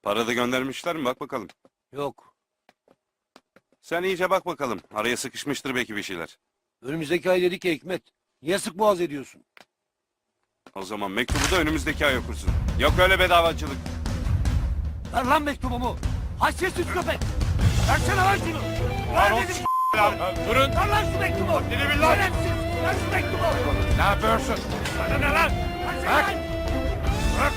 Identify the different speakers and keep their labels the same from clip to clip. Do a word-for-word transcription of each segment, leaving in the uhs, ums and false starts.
Speaker 1: Para da göndermişler mi? Bak bakalım.
Speaker 2: Yok.
Speaker 1: Sen iyice bak bakalım. Araya sıkışmıştır belki bir şeyler.
Speaker 2: Önümüzdeki ay dedik ya Hikmet. Niye sık boğaz ediyorsun?
Speaker 1: O zaman mektubu da önümüzdeki ay okursun. Yok öyle bedavacılık.
Speaker 2: Ver lan mektubumu. Haysiyetsiz köpek. Versene lan şunu. Ver dedim.
Speaker 3: Durun.
Speaker 2: Ver lan şu mektubu.
Speaker 3: Dili billah.
Speaker 2: Şerefsiz. Ver şu mektubu.
Speaker 3: Ne yapıyorsun?
Speaker 2: Sana ne lan? Versene
Speaker 3: Bırak.
Speaker 2: lan.
Speaker 3: Bırak.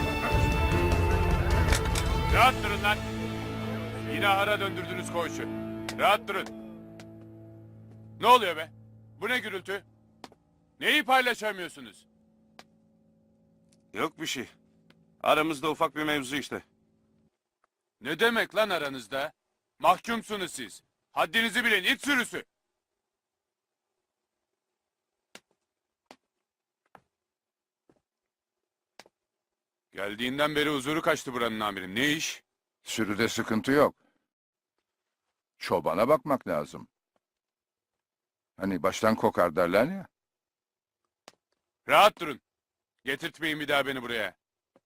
Speaker 3: Rahat durun lan. Yine ara döndürdünüz koğuşu. Rahat durun. Ne oluyor be? Bu ne gürültü? Neyi paylaşamıyorsunuz?
Speaker 1: Yok bir şey. Aramızda ufak bir mevzu işte.
Speaker 3: Ne demek lan aranızda? Mahkumsunuz siz. Haddinizi bilin it sürüsü. Geldiğinden beri huzuru kaçtı buranın amirim. Ne iş?
Speaker 4: Sürüde sıkıntı yok. Çobana bakmak lazım. Hani baştan kokar derler ya.
Speaker 3: Rahat durun. Getirtmeyin bir daha beni buraya.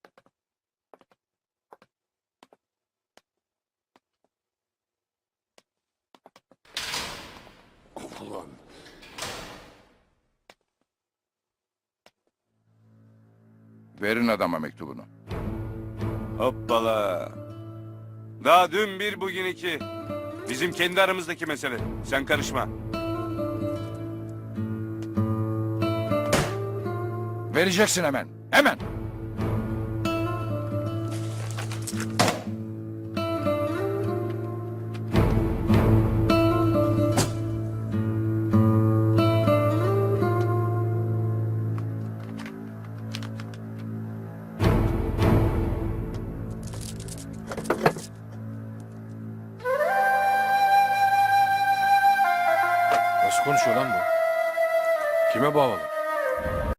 Speaker 4: Verin adama mektubunu.
Speaker 1: Hoppala. Daha dün bir bugün iki. Bizim kendi aramızdaki mesele. Sen karışma.
Speaker 4: Vereceksin hemen. Hemen.
Speaker 5: Nasıl konuşuyor lan bu? Kime bağlı?